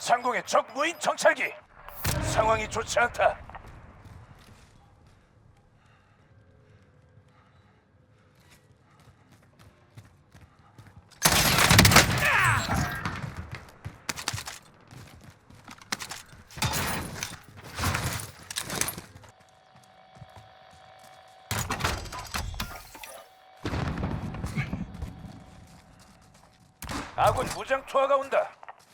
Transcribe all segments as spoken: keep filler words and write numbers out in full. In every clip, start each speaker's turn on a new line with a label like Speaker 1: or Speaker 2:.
Speaker 1: 상공의 적 무인 정찰기. 상황이 좋지 않다. 아군 무장 투하가 온다.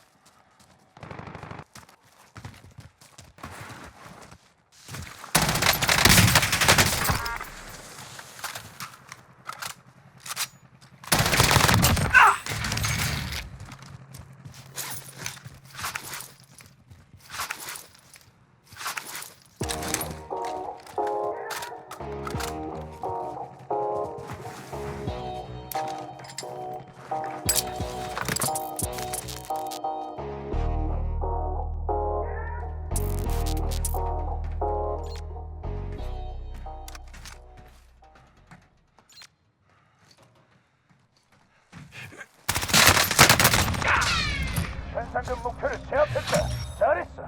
Speaker 1: 현상금 목표를 제압했다. 잘했어.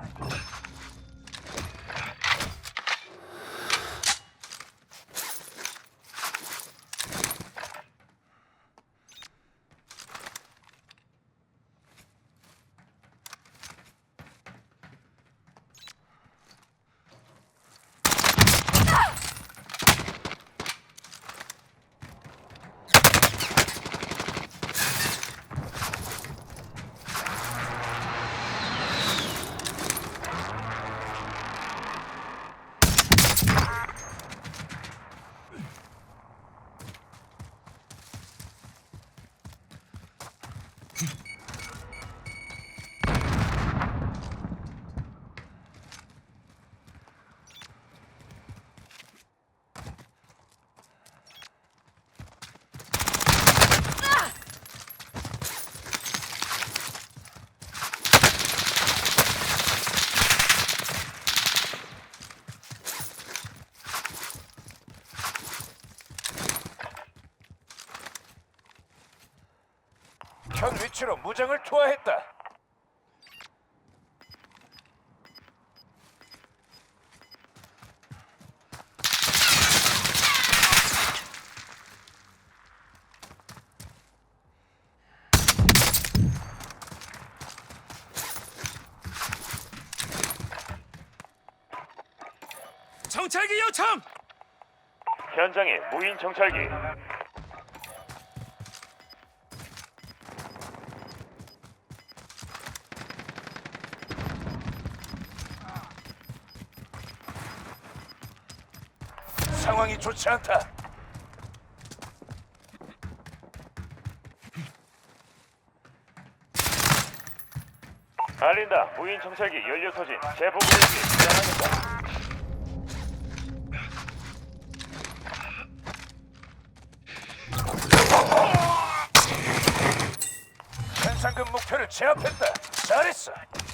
Speaker 1: 현 위치로 무장을 투하했다.
Speaker 2: 정찰기 요청!
Speaker 1: 현장에 무인 정찰기. 상황이 좋지 않다. 알린다. 무인 정찰기 연료 소진 재보급을 위해 지원하겠다. 현상금 목표를 제압했다. 잘했어.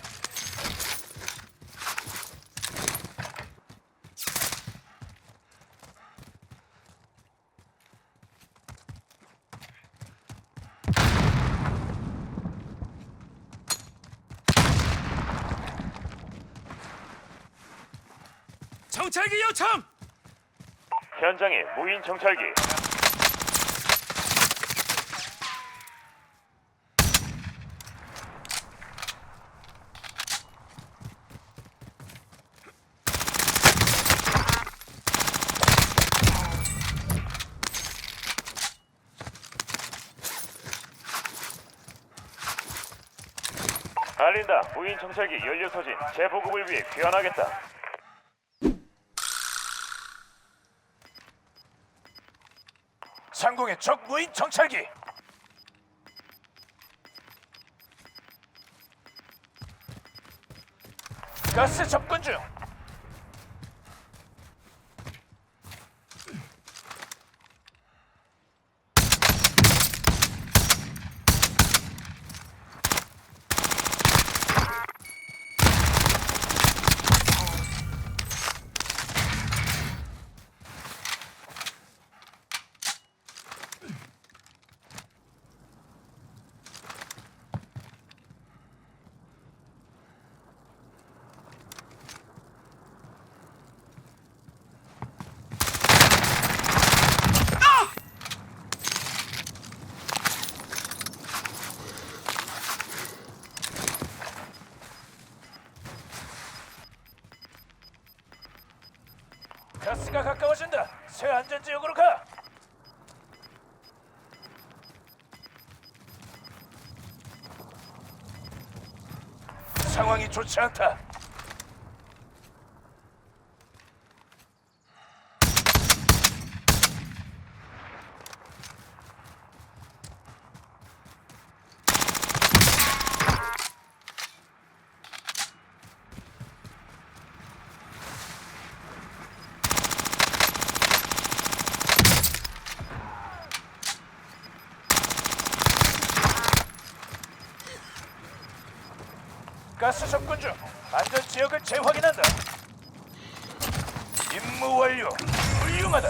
Speaker 2: 정찰기 요청!
Speaker 1: 현장에 무인 정찰기. 알린다. 무인 정찰기 연료 소진 재보급을 위해 귀환하겠다. 상공의 적 무인 정찰기. 가스 접근 중. 가스가 가까워진다. 새 안전 지역으로 가. 상황이 좋지 않다. 가스 접근 중. 안전 지역을 재확인한다. 임무 완료. 훌륭하다.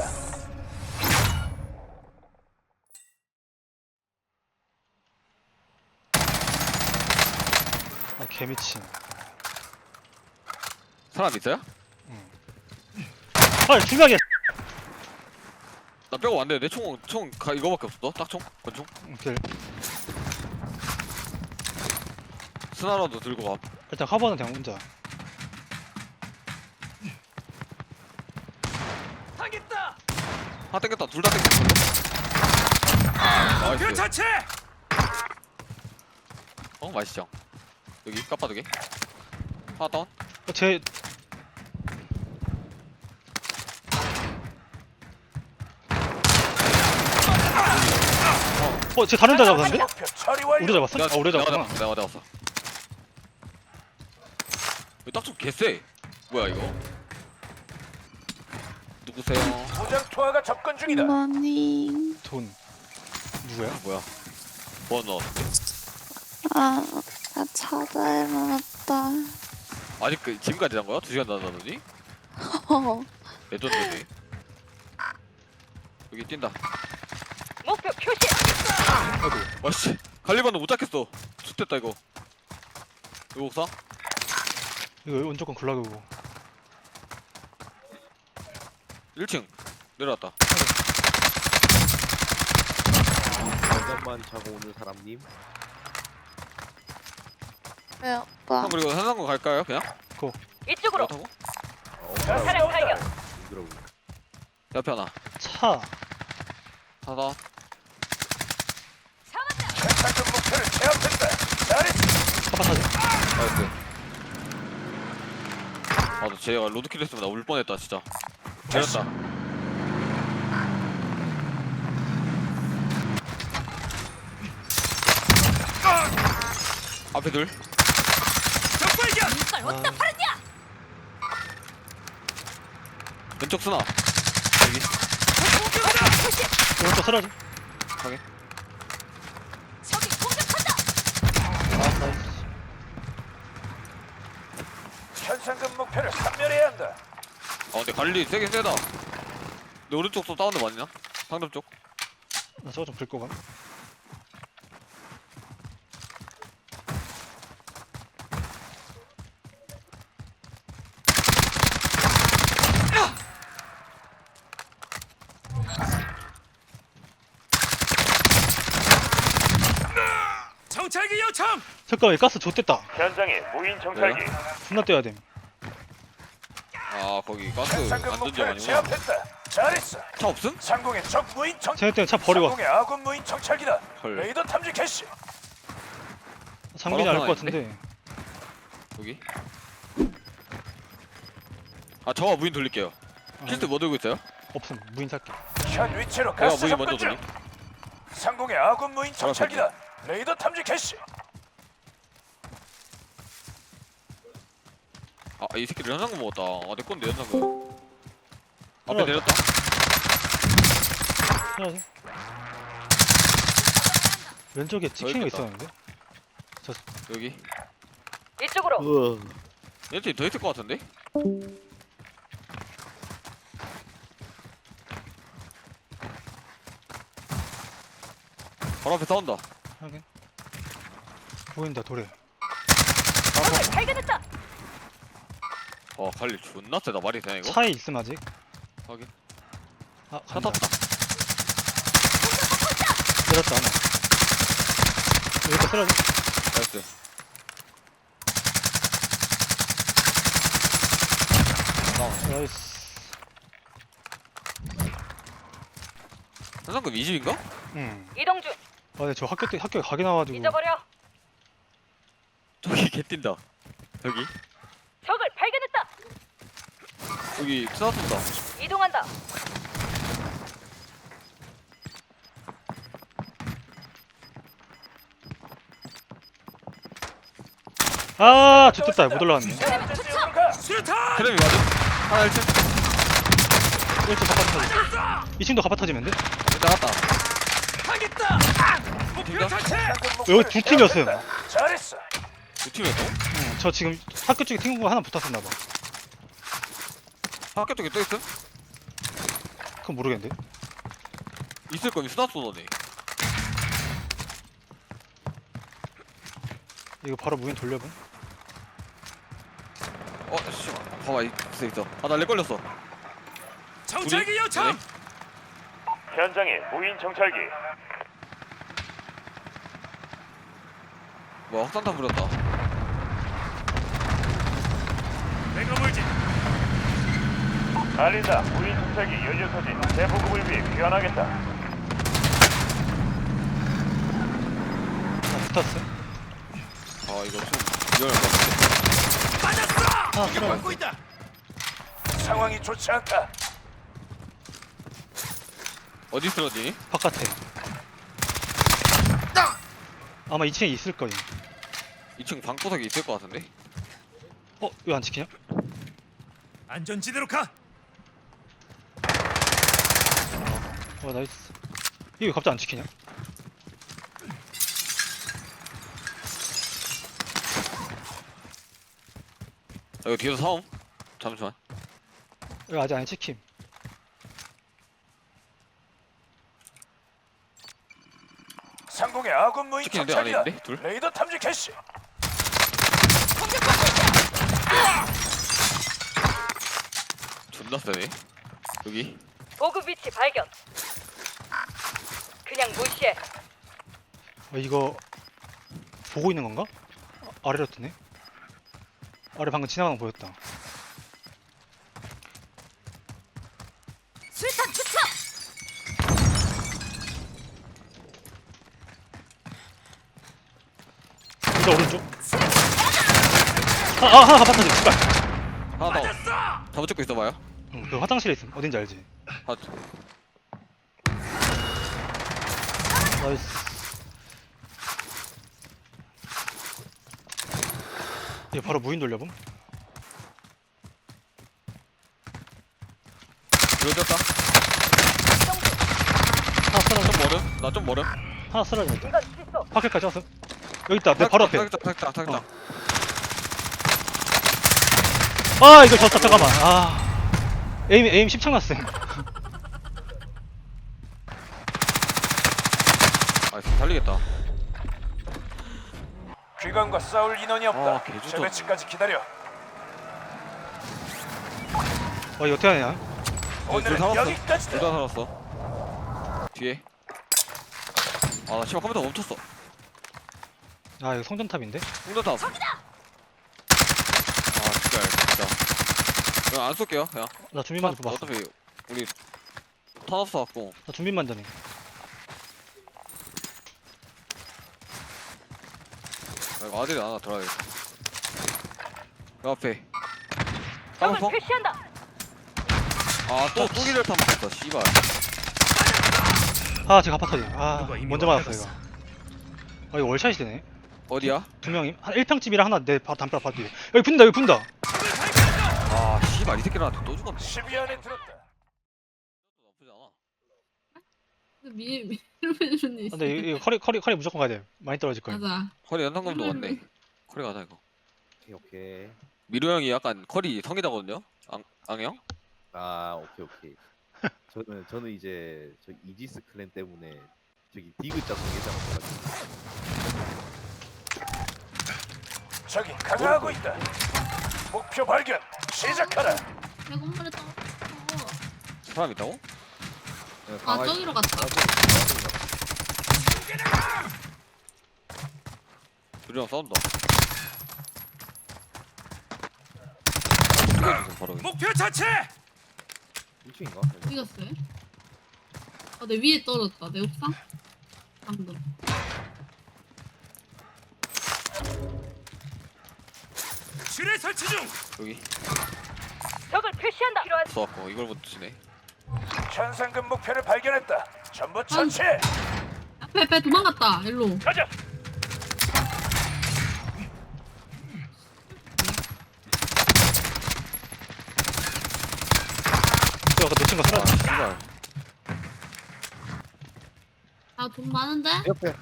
Speaker 3: 아 개미친.
Speaker 2: 사람 있어요?
Speaker 3: 아 중요하게.
Speaker 2: 나 빼고 왔는데 내 총 총 이거밖에 없어. 딱총 권총.
Speaker 3: 오케이.
Speaker 2: 스나라도 들고 가.
Speaker 3: 일단 카버는 그냥 혼자.
Speaker 1: 당했다.
Speaker 2: 하나 땡겼다. 둘 다 땡겼어.
Speaker 1: 목표
Speaker 2: 나이스.
Speaker 1: 자체.
Speaker 2: 어 맛있죠. 여기 까빠두개. 하나 다운.
Speaker 3: 어, 제 어, 쟤 다른 데 잡았는데?
Speaker 1: 목표 처리 완료.
Speaker 3: 우리 잡았어? 아, 우리
Speaker 2: 내가
Speaker 3: 잡았구나.
Speaker 2: 잡았어. 내가 잡았어. 여기 딱총 개쎄. 뭐야 이거? 누구세요?
Speaker 1: 무장 투하가 접근 중이다.
Speaker 4: 머니.
Speaker 3: 돈. 누구야?
Speaker 2: 뭐야? 뭐 넣어?
Speaker 4: 아, 나 차다에 맞았다.
Speaker 2: 아직 그 지금까지 한 거야? 두 시간 남았더니?
Speaker 4: 어.
Speaker 2: 레전드네. 여기 뛴다.
Speaker 5: 목표 표시.
Speaker 2: 아이고, 와씨, 갈리반도 못 잡겠어. 좋됐다 이거. 이거 옥상?
Speaker 3: 이거 무조건 굴락이고.
Speaker 2: 일 층 내려왔다.
Speaker 6: 잠깐만 자고 오는 사람님.
Speaker 4: 왜 오빠?
Speaker 2: 형 그리고 산상고 갈까요? 그냥?
Speaker 5: 이쪽으로.
Speaker 2: 타고?
Speaker 6: 어,
Speaker 1: 가스
Speaker 5: 차량
Speaker 1: 온다.
Speaker 5: 발견.
Speaker 6: 그러고.
Speaker 2: 옆에 하나.
Speaker 3: 차.
Speaker 2: 하나.
Speaker 1: 현상금 목표를 제압했다. 잘했어.
Speaker 3: 카바 타자.
Speaker 2: 나이스. 아너 쟤가 로드킬 했으면 나 울 뻔했다 진짜. 때렸다. 앞에 둘.
Speaker 1: 적발견.
Speaker 5: 이걸 어디다 팔았냐?
Speaker 2: 왼쪽 쓰나. 여기.
Speaker 3: 오른쪽 쓰러지.
Speaker 2: 가게.
Speaker 5: 적이 공격한다.
Speaker 3: 아, 나이스.
Speaker 1: 현상금 목표를 섬멸해야 한다.
Speaker 2: 아 근데 관리 세게 세다. 내 오른쪽 또 다운드 맞냐? 상점 쪽.
Speaker 3: 나 저거 좀 긁고 가.
Speaker 1: 정찰기 요청.
Speaker 3: 잠깐만, 이 가스 좆됐다.
Speaker 1: 현장에 무인 정찰기.
Speaker 3: 존나 떼야 됨.
Speaker 2: 아 거기 가스
Speaker 1: 현상금
Speaker 2: 안전지역
Speaker 1: 목표를
Speaker 2: 아니구나.
Speaker 1: 제압했다. 잘했어.
Speaker 2: 차 없음?
Speaker 1: 상공의 적 무인 정.
Speaker 3: 쟤네 때문에 차 버리고 왔어.
Speaker 1: 상공의 아군 무인 정찰기다.
Speaker 2: 헐.
Speaker 1: 레이더 탐지 캐시.
Speaker 3: 상빈이
Speaker 2: 바로
Speaker 3: 알 것
Speaker 2: 하나
Speaker 3: 같은데.
Speaker 2: 여기. 아 저와 무인 돌릴게요. 킬트 뭐 들고 있어요?
Speaker 3: 없음. 무인 살게.
Speaker 1: 현 위치로
Speaker 2: 내가
Speaker 1: 가스
Speaker 2: 무인
Speaker 1: 접근
Speaker 2: 먼저
Speaker 1: 중.
Speaker 2: 돌림.
Speaker 1: 상공의 아군 무인 정찰기다. 레이더 탐지 캐시.
Speaker 2: 아 이 새끼들 현상금 먹었다. 아내 건데 현상금. 앞에
Speaker 3: 올라왔다.
Speaker 2: 내렸다.
Speaker 3: 쓰러지. 왼쪽에 치킨이
Speaker 2: 있겠다.
Speaker 3: 있었는데?
Speaker 2: 여기.
Speaker 5: 이쪽으로.
Speaker 2: 얘한테 더 있을 것 같은데? 바로 앞에 싸운다.
Speaker 3: 확인. 보인다, 돌에.
Speaker 5: 적을 발견했다.
Speaker 2: 어 관리 존나 세다. 말이 되나 이거?
Speaker 3: 차에 있음, 아직.
Speaker 2: 확인.
Speaker 3: 아,
Speaker 2: 차
Speaker 3: 간다.
Speaker 2: 탔다.
Speaker 3: 내렸다, 하나. 여기다 쓰러지.
Speaker 2: 나이스.
Speaker 3: 나이스.
Speaker 2: 현상금 이 집인가?
Speaker 3: 응.
Speaker 5: 이동 중.
Speaker 3: 아 근데 저 학교 때 학교 가게 나와가지고.
Speaker 5: 잊어버려.
Speaker 2: 저기 개 뛴다. 여기
Speaker 5: 적을 발견했다.
Speaker 2: 여기 스나 쏜다.
Speaker 5: 이동한다.
Speaker 3: 아 좋겠다 못 올라왔네.
Speaker 1: 안전 지역으로 가.
Speaker 2: 테레비 맞아? 하나 일 층.
Speaker 3: 일 층 갑바 터지. 이 층도 갑바 터지면 돼?
Speaker 2: 나갔다.
Speaker 1: 하겠다.
Speaker 2: 팀이다?
Speaker 3: 여기 두 팀이었음.
Speaker 1: 잘했어.
Speaker 2: 두 팀이었어?
Speaker 3: 응. 저 지금 학교 쪽에 친구가 하나 붙었었나봐.
Speaker 2: 학교 쪽에 또 있어?
Speaker 3: 그건 모르겠는데.
Speaker 2: 있을 거면 스나 쏘더니.
Speaker 3: 이거 바로 무인 돌려봐.
Speaker 2: 어, 씨. 봐봐, 있어, 있어. 아, 나 렉 걸렸어.
Speaker 1: 정찰기 요청. 현장에 무인 정찰기.
Speaker 2: 뭐, 확산탄 부렸다.
Speaker 1: 내가 물지. 알린다. 무인 정찰기 연료 소진 재보급을 위해 귀환하겠다.
Speaker 3: 아 붙었어.
Speaker 2: 아, 이거 좀 위험할 것 같아.
Speaker 3: 하나 쓰러.
Speaker 1: 있다. 상황이 좋지 않다.
Speaker 2: 어디 쓰러지니?
Speaker 3: 바깥에. 아마 이 층에 있을 거임.
Speaker 2: 이 층 방구석에 있을 것 같은데?
Speaker 3: 어? 왜 안 지키냐?
Speaker 1: 안전지대로 가.
Speaker 3: 어 나이스. 이거 왜 갑자기 안 지키냐?
Speaker 2: 아, 이거 뒤에서 사옴? 잠시만.
Speaker 3: 이거 아직 안 지킴.
Speaker 1: 상공의 아군 무인
Speaker 2: 찍히는데? 안에
Speaker 1: 정찰기다.
Speaker 2: 있는데? 둘?
Speaker 1: 레이더 탐지 캐시.
Speaker 2: 존나 세네. 여기.
Speaker 5: 보급 위치 발견. 그냥 무시해.
Speaker 3: 어, 이거 보고 있는 건가? 아, 아래로 뜨네. 아래 방금 지나가는 거 보였다.
Speaker 5: 수류탄 투척.
Speaker 3: 진짜 오른쪽. 아, 아 하나 갑바 터지. 씨발.
Speaker 2: 하나 더. 잡아 찍고 있어봐요.
Speaker 3: 응, 그 화장실에 있음. 어딘지 알지?
Speaker 2: 아,
Speaker 3: 나이스. 얘 바로 무인 돌려봄.
Speaker 2: 들어졌다.
Speaker 3: 하나 쓰러져.
Speaker 2: 좀 멀음? 나 좀 멀음?
Speaker 3: 하나 쓰러져 일단.
Speaker 5: 이건 실수.
Speaker 3: 파켓까지 왔어. 여기 있다. 내 바로 앞에.
Speaker 2: 타격자, 타격자, 타격자.
Speaker 3: 어. 아 이거 졌다. 잠깐만. 아 에임 에임 십창 났음.
Speaker 2: 아, 지금 달리겠다.
Speaker 1: 귀관과 싸울 인원이
Speaker 2: 아,
Speaker 1: 없다.
Speaker 2: 개주저.
Speaker 1: 재배치까지 기다려.
Speaker 3: 와 이거 어떻게 하냐?
Speaker 2: 어, 둘
Speaker 1: 오늘은
Speaker 2: 살았어.
Speaker 1: 여기까지다.
Speaker 2: 둘 다 살았어. 뒤에. 아, 나 씨발 컴퓨터 멈췄어.
Speaker 3: 아 이거 성전탑인데?
Speaker 2: 홍전탑. 아, 진짜, 진짜. 그냥 안 쏠게요, 그냥.
Speaker 3: 나 준비만 좀 봤어.
Speaker 2: 어차피 우리 타노스 왔고.
Speaker 3: 나 준비만 전해.
Speaker 2: 아, 이거 아들이 하나 들어야겠다. 그 앞에.
Speaker 5: 적을
Speaker 2: 까먹어?
Speaker 5: 표시한다.
Speaker 2: 아, 또 뚜기를 타면 됐다, 씨발.
Speaker 3: 아 제가 아파터지. 아
Speaker 1: 누가 이미
Speaker 3: 먼저 맞았어 이거.
Speaker 1: 왔다갔어.
Speaker 3: 아 이거 월샷이 되네.
Speaker 2: 어디야?
Speaker 3: 두 명이 한 일 평집이랑 하나 내 바, 담벼락 바로 뒤에. 여기 분다 여기 분다.
Speaker 2: 아, 씨발, 이 새끼들한테 또 죽었네.
Speaker 1: 십위 안에 들었다.
Speaker 2: 나쁘지 않아.
Speaker 7: 미 미루미루니
Speaker 3: 아, 근데 이거 커리 커리 커리 무조건 가야 돼. 많이 떨어질 거야.
Speaker 7: 맞아.
Speaker 2: 커리 연상금도 왔네. 커리 가자, 이거.
Speaker 6: 오케이 오케이.
Speaker 2: 미로 형이 약간 커리 성기자거든요? 앙, 앙형?
Speaker 6: 아 오케이 오케이. 저는 저는 이제 저 이지스 클랜 때문에 저기 디귿자 성계자가 돼가지고.
Speaker 1: 저기 강화하고 있다. 목표 발견. 시작하라.
Speaker 7: 내가 한 번에 떨어.
Speaker 2: 사람 있다고?
Speaker 6: 네,
Speaker 7: 아
Speaker 6: 강화-
Speaker 7: 저기로 갔다.
Speaker 2: 미로 형 싸운다. 어떻게 해주세요, 바로.
Speaker 1: 목표 자체.
Speaker 6: 일 층인가?
Speaker 7: 이겼어요? 아, 내 위에 떨어졌다. 내 옥상? 방금.
Speaker 1: 지뢰 설치 중.
Speaker 2: 여기
Speaker 5: 적을 표시한다. 필요한
Speaker 2: 쏘았고 이걸 못 치네.
Speaker 1: 현상금 목표를 발견했다. 전부 처치.
Speaker 7: 앞에, 앞에 도망갔다. 일로.
Speaker 1: 가자.
Speaker 3: 저 아까 놓친 거
Speaker 2: 아
Speaker 3: 사라졌어.
Speaker 2: 씨발.
Speaker 7: 아, 돈 많은데?
Speaker 6: 옆에.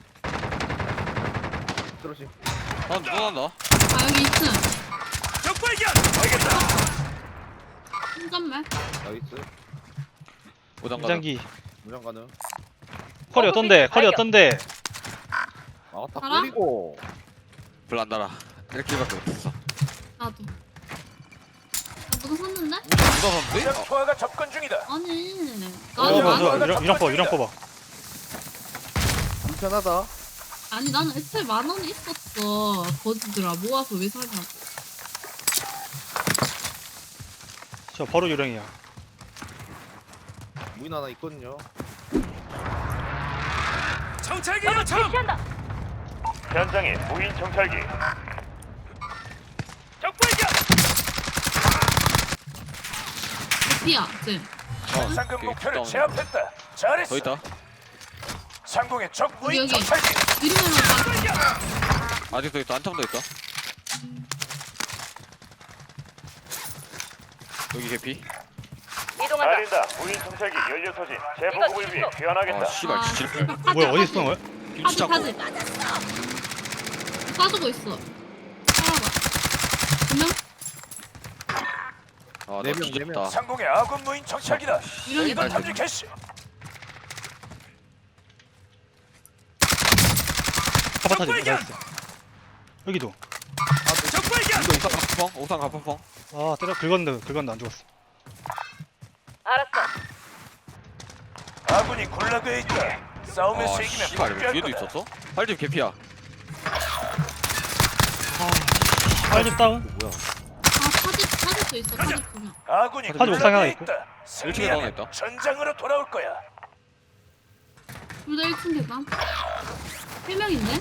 Speaker 6: 떨어지.
Speaker 2: 아 누가 난다.
Speaker 7: 아, 여기 이 층.
Speaker 1: 적 발견. 알겠다.
Speaker 7: 한잔말.
Speaker 6: 나이스.
Speaker 2: 오장 가자.
Speaker 3: 무장기.
Speaker 6: 무장 가능.
Speaker 3: 컬이 어떤데? 컬이 어떤데?
Speaker 6: 아, 다
Speaker 7: 알아?
Speaker 6: 뿌리고.
Speaker 2: 별로 안 달아. 일킬밖에 못했어.
Speaker 7: 나도. 나 누가 샀는데?
Speaker 2: 누가 샀는데?
Speaker 1: 무장 투하가 접근 중이다.
Speaker 7: 아니.
Speaker 3: 어,
Speaker 7: 나는
Speaker 3: 좋아,
Speaker 7: 안,
Speaker 3: 좋아. 이런, 이런 뽑아, 이런 뽑아.
Speaker 6: 불편하다.
Speaker 7: 아니, 나는 애초에 만 원이 있었어. 거지들아. 모아서 왜 사냐고.
Speaker 3: 저 바로 요령이야.
Speaker 6: 무인 하나 있거든요.
Speaker 1: 정찰기
Speaker 5: 적을
Speaker 1: 요청.
Speaker 5: 표시한다.
Speaker 1: 현장에 무인 정찰기. 적 발견.
Speaker 7: 피야, 쟤.
Speaker 1: 현상금
Speaker 2: 오케이,
Speaker 1: 목표를
Speaker 2: 다운.
Speaker 1: 제압했다. 잘했어.
Speaker 2: 더 있다.
Speaker 1: 상공의 적 무인
Speaker 7: 여기.
Speaker 1: 정찰기.
Speaker 7: 이름으로 딱.
Speaker 2: 아직도 있다. 한참도 있다. 여기 개피.
Speaker 5: 이동한다.
Speaker 1: 알린다. 무인 정찰기 연료 소진
Speaker 5: 이거
Speaker 1: 재보급을 위해
Speaker 5: 실수.
Speaker 1: 귀환하겠다.
Speaker 2: 아 씨발
Speaker 7: 아,
Speaker 2: 지질.
Speaker 7: 씨발, 파지,
Speaker 3: 뭐야, 어디
Speaker 7: 파지.
Speaker 3: 쓰는 거야?
Speaker 2: 김치
Speaker 7: 파지,
Speaker 2: 잡고.
Speaker 7: 파지. 쏴주고 있어. 살아봐. 두 명?
Speaker 2: 아나
Speaker 6: 네 명, 네
Speaker 2: 뒤졌다.
Speaker 6: 명.
Speaker 1: 상공의 아군 무인 정찰기다.
Speaker 7: 이런
Speaker 1: 레이더
Speaker 7: 게
Speaker 1: 탐지 캐시.
Speaker 3: 카파타지.
Speaker 1: 발견!
Speaker 3: 나이스. 여기도.
Speaker 1: 적 발견.
Speaker 2: 이거 옥상 가파펑. 옥상 가파펑.
Speaker 3: 아, 때려 긁었는데, 긁었는데 안 죽었어.
Speaker 5: 알았어.
Speaker 1: 아군이 굴라그에 있다. 싸움에서
Speaker 2: 아
Speaker 1: 이기면
Speaker 2: 씨발
Speaker 1: 복귀할
Speaker 2: 뒤에도
Speaker 1: 거다.
Speaker 2: 있었어? 팔집 개피야.
Speaker 3: 빨집 다운.
Speaker 6: 뭐야?
Speaker 7: 아, 파지, 파지도 있어. 파지 두 명.
Speaker 1: 아군이
Speaker 3: 파지 옥상에 하나
Speaker 1: 굴라그에
Speaker 3: 있고.
Speaker 1: 있다.
Speaker 2: 일 층에 하나
Speaker 1: 승리하면
Speaker 2: 있다.
Speaker 1: 전장으로 돌아올 거야.
Speaker 7: 둘 다 일 층 계단. 세 명인데?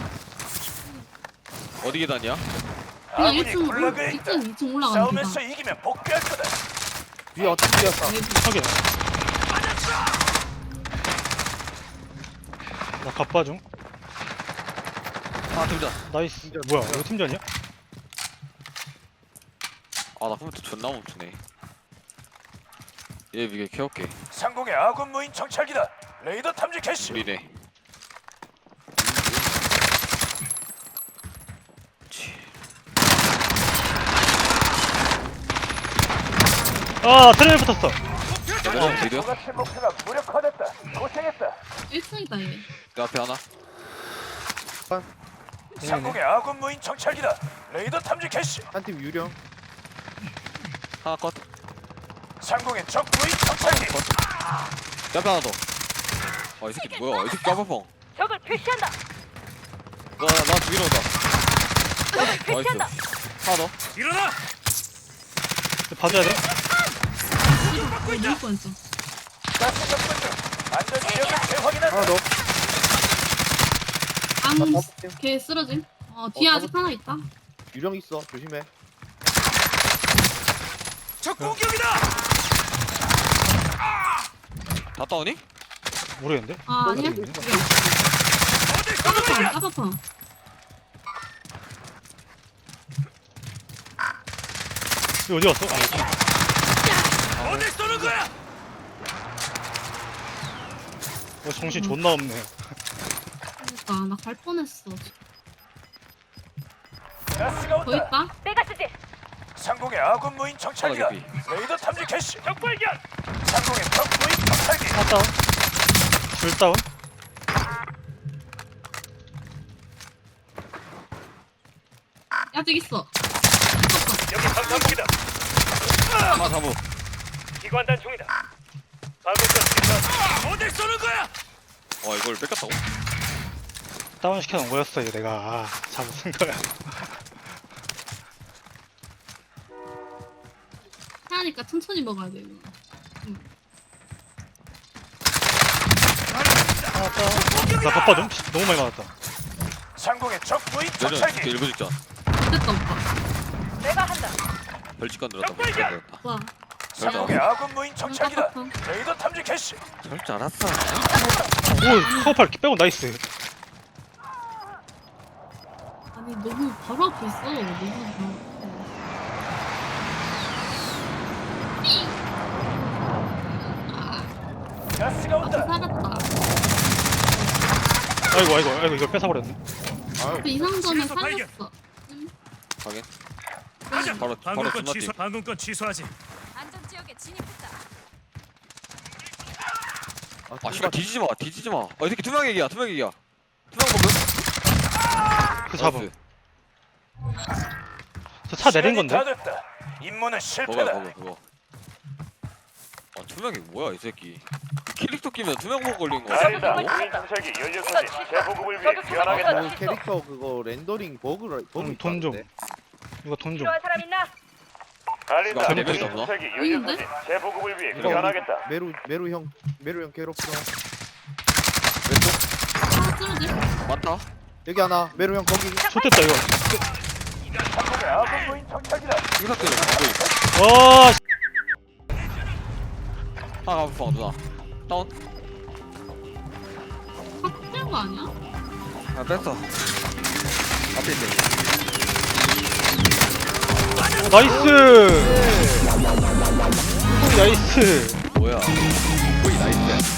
Speaker 2: 어디 계단이야?
Speaker 7: 그냥
Speaker 1: 아군이
Speaker 7: 일 층,
Speaker 1: 굴라그에
Speaker 7: 일
Speaker 1: 있다.
Speaker 7: 층, 이 층 올라가는
Speaker 1: 싸움에서
Speaker 7: 계단.
Speaker 1: 이기면 복귀할 거다.
Speaker 6: 뒤에 어떻게 뛰었어?
Speaker 3: 확인. 나 갑바 중.
Speaker 2: 아 등장.
Speaker 3: 나이스.
Speaker 6: 팀전.
Speaker 3: 뭐야, 이거 팀전이야?
Speaker 2: 아나 컴퓨터 존나 멈추네. 얘 이게 캐올게.
Speaker 1: 상공의 아군 무인 정찰기다. 레이더 탐지 캐시.
Speaker 2: 우리네. 치.
Speaker 3: 아, 트레일 붙었어.
Speaker 2: 어, 드디어
Speaker 1: 똑같이 목표가 무력화됐다. 고생했다.
Speaker 7: 일 층이다, 얘.
Speaker 2: 내 앞에 하나.
Speaker 1: 상공의 아군 무인 정찰기다. 레이더 탐지 캐시.
Speaker 6: 한 팀 유령.
Speaker 2: 하나 컷.
Speaker 1: 상공의 적 무인 정찰기.
Speaker 2: 내 앞에 하나 더. 아이 새끼 뭐야? 이 새끼 까파펑.
Speaker 5: 적을 표시한다.
Speaker 2: 나나 죽이러 온다.
Speaker 5: 적을
Speaker 2: 나이스.
Speaker 5: 표시한다.
Speaker 2: 하나 더.
Speaker 1: 일어나.
Speaker 3: 봐줘야 돼?
Speaker 7: 어, 누울 뻔했어.
Speaker 1: 가스 접근 중. 안전 지역을 재확인한다.
Speaker 6: 하나 더.
Speaker 7: 앙,
Speaker 6: 나 다섯 팀.
Speaker 7: 걔 쓰러짐. 어, 뒤에
Speaker 6: 어,
Speaker 7: 아직 하나 있다.
Speaker 6: 유령 있어. 조심해.
Speaker 1: 적 공격이다.
Speaker 2: 다 따오니?
Speaker 3: 모르겠는데?
Speaker 7: 아, 아니야?
Speaker 3: 어디 있네?
Speaker 1: 어딜 쏘는
Speaker 7: 까파펑,
Speaker 1: 거야?
Speaker 7: 까파펑.
Speaker 3: 이거 어디 갔어? 아, 여기.
Speaker 1: 어딜 쏘는 거야?
Speaker 3: 어, 정신 존나 없네.
Speaker 7: 그러니까, 나 갈 뻔했어.
Speaker 1: 가스가
Speaker 7: 더
Speaker 1: 온다.
Speaker 7: 있다?
Speaker 5: 내가 쓰지.
Speaker 1: 상공의 아군 무인 정찰기다.
Speaker 2: 하나 개피.
Speaker 1: 레이더 탐지 캐시. 적 발견. 상공의 적 무인 정찰기.
Speaker 3: 하나 다운. 둘 다운.
Speaker 7: 아직 있어.
Speaker 1: 여기 방탄복이다.
Speaker 2: 하나 잡어.
Speaker 1: 기관단 중이다. 방금 전 어딜 쏘는 거야?
Speaker 2: 와 이걸 뺏겼다고?
Speaker 3: 다운 시켜놓은 거였어, 이거 내가. 아, 잘못 쓴 거야.
Speaker 7: 하니까 천천히 먹어야 돼, 이거. 응.
Speaker 3: 나 바빠 좀. 너무 많이 맞았다.
Speaker 1: 상공의 적 무인
Speaker 2: 내려
Speaker 1: 정찰기.
Speaker 2: 일부 직전
Speaker 7: 됐다 오빠.
Speaker 5: 내가 한다.
Speaker 2: 별직간 늘었다 별직간 늘었다
Speaker 7: 와.
Speaker 1: 상공의 아군 무인 정찰기다.
Speaker 7: 깜빡함.
Speaker 1: 레이더 탐지 캐시.
Speaker 2: 저럴 줄 알았어
Speaker 3: 오, 카우팔 빼고 나이스.
Speaker 7: 아니 너무 바로 앞에 있어. 너무 바로 앞에.
Speaker 1: 가스가
Speaker 7: 앞에
Speaker 1: 온다.
Speaker 7: 살았다.
Speaker 3: 아이고 아이고 아이고 이걸 뺏어버렸네.
Speaker 6: 아유
Speaker 7: 그 이상점에
Speaker 1: 시에서 발견.
Speaker 7: 살렸어. 응.
Speaker 2: 확인
Speaker 7: 응.
Speaker 2: 바로 바로
Speaker 1: 방금권
Speaker 2: 존나
Speaker 1: 취소.
Speaker 2: 뛰
Speaker 1: 방금권 취소하지.
Speaker 5: 안전지역에 진입했다.
Speaker 2: 아 씨발 뒤지지마 뒤지지마 어 이 새끼 투명 얘기야 투명 얘기야 투명 먹음
Speaker 3: 그 잡음. 저 차 내린
Speaker 1: 시간이
Speaker 3: 건데.
Speaker 1: 다 됐다. 임무는
Speaker 2: 그거야
Speaker 1: 실패다.
Speaker 2: 그거 그거 아 투명이 뭐야 이 새끼 이 캐릭터 끼면 투명 먹 걸린 거
Speaker 1: 알린다.
Speaker 2: 같아
Speaker 1: 무인 정찰기 연료
Speaker 5: 이거
Speaker 1: 소진
Speaker 5: 취소.
Speaker 1: 재보급을
Speaker 5: 저기
Speaker 1: 위해
Speaker 5: 취소.
Speaker 1: 귀환하겠다.
Speaker 5: 이거
Speaker 6: 그
Speaker 5: 취소.
Speaker 6: 캐릭터 그거 렌더링 버그라 버그
Speaker 3: 응, 돈 좀.
Speaker 6: 있다는데.
Speaker 3: 이거 돈 좀.
Speaker 5: 필요한 사람 있나?
Speaker 1: 알린다.
Speaker 2: 이거
Speaker 1: 무인
Speaker 2: 재밌다,
Speaker 1: 정찰기 연료
Speaker 7: 보이는데?
Speaker 1: 소진 재보급을 위해
Speaker 6: 이거
Speaker 1: 귀환하겠다.
Speaker 6: 메루 메루 형 메루 형 괴롭혀.
Speaker 2: 왼쪽
Speaker 7: 하나 쓰러질?
Speaker 2: 맞다
Speaker 6: 여기 하나 메루 형 거기.
Speaker 3: 좋됐다 이거.
Speaker 1: 상공의 아군 무인 정찰기다.
Speaker 2: 이거 때려 갖고 있어
Speaker 3: 와. 씨.
Speaker 2: 하나 가고 누나 다운
Speaker 7: 확실한 거 아니야?
Speaker 2: 아 뺐어 앞에 있네
Speaker 3: 오, 나이스. 오, 나이스.
Speaker 2: 뭐야 거의 나이스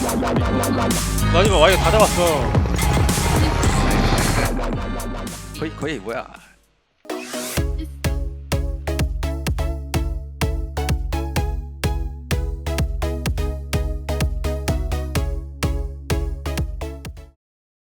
Speaker 3: 마지막 와이어 다 잡았어.
Speaker 2: 거의 거의 뭐야